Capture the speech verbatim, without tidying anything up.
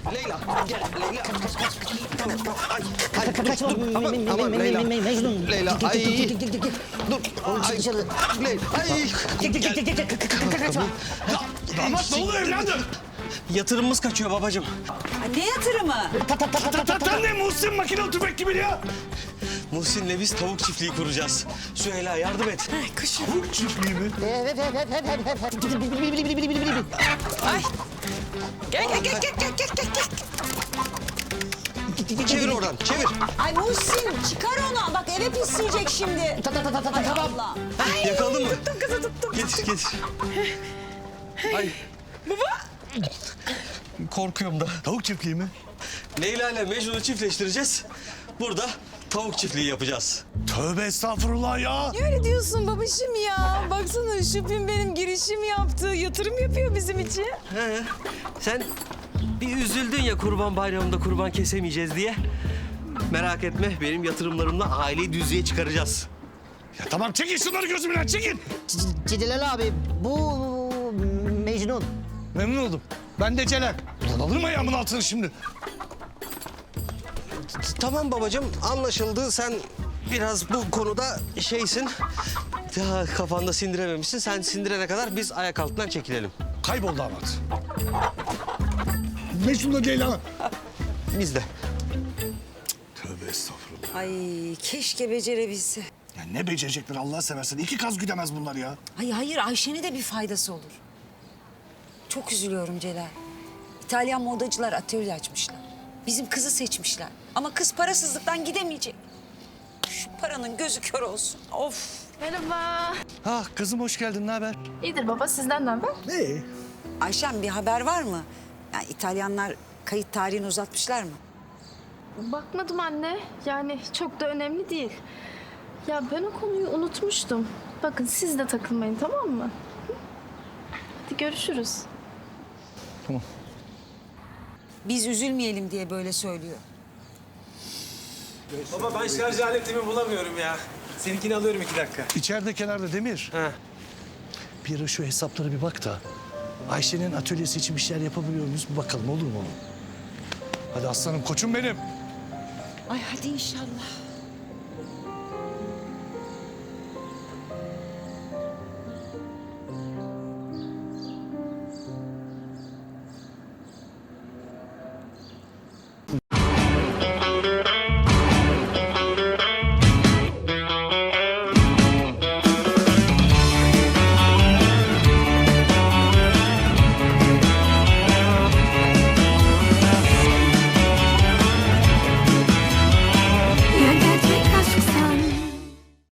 Leyla gel Leyla. Tamam tamam. Ay, ay, dur, Kaçma. dur. Aman, aman Leyla. Mecnun. Leyla Gel, ay. gel, gel, gel, gel, gel. Dur. Oğlum, çık Ay, dışarı. Leyla ay. Gel, gel, gel, gel, gel. Kaçma. Damat ne oluyor evladım? Yatırımımız kaçıyor babacığım. Ne yatırımı? Ta ta ta ta ta ta ta. Sen ne Muhsin makine tüfek gibi ya? Muhsin'le biz tavuk çiftliği kuracağız. Süheyla yardım et. Tavuk çiftliği mi? Evet, evet, evet, evet, evet. Bili, bili, bili, bili, bili, bili, bili. Ay. Gel gel gel gel gel gel gel. Çevir oradan çevir. Ay Muhsin çıkar onu. Bak eve pisleyecek şimdi. Ta ta ta ta ta Hay tamam. Allah. Yakaladın mı? Tuttum kızı tuttum. Getir getir. Ay. Baba. Korkuyorum da. Tavuk çiftliği mi? Leyla ile Mecnun'u çiftleştireceğiz. Burada tavuk çiftliği yapacağız. Tövbe estağfurullah ya. Ne öyle diyorsun babacığım ya? Baksana Şüphin benim girişim yaptı. Yatırım yapıyor bizim için. He. Sen bir üzüldün ya kurban bayramında kurban kesemeyeceğiz diye. Merak etme benim yatırımlarımla aileyi düzlüğe çıkaracağız. Ya tamam çekin şunları gözümden çekin. C- Celal abi bu Mecnun. Memnun oldum. Ben de Celal. Ulan alırım ayağımın altını şimdi. Tamam babacığım anlaşıldı. Sen biraz bu konuda şeysin. Daha kafanda sindirememişsin. Sen sindirene kadar biz ayak altından çekilelim. Kaybol damat. Mecnun'la Ceylan. Biz de. Tövbe estağfurullah. Ay keşke becerebilse. Ya ne becerecekler Allah seversen. İki kaz güdemez bunlar ya. Ay hayır Ayşe'ne de bir faydası olur. Çok üzülüyorum Celal. İtalyan modacılar atölye açmışlar. Bizim kızı seçmişler. Ama kız parasızlıktan gidemeyecek. Şu paranın gözü kör olsun. Of. Merhaba. Ha kızım hoş geldin. Ne haber? İyidir baba sizden ne haber? Ne? Ayşem bir haber var mı? Yani İtalyanlar kayıt tarihini uzatmışlar mı? Bakmadım anne. Yani çok da önemli değil. Ya ben o konuyu unutmuştum. Bakın siz de takılmayın tamam mı? Hı? Hadi görüşürüz. Biz üzülmeyelim diye böyle söylüyor. Baba ben şarj aletimi bulamıyorum ya. Seninkini alıyorum iki dakika. İçeride kenarda Demir. He. Bir ara şu hesaplara bir bak da. Ayşe'nin atölyesi için bir şeyler yapabiliyor muyuz? Bir bakalım olur mu oğlum? Hadi aslanım koçum benim. Ay hadi inşallah.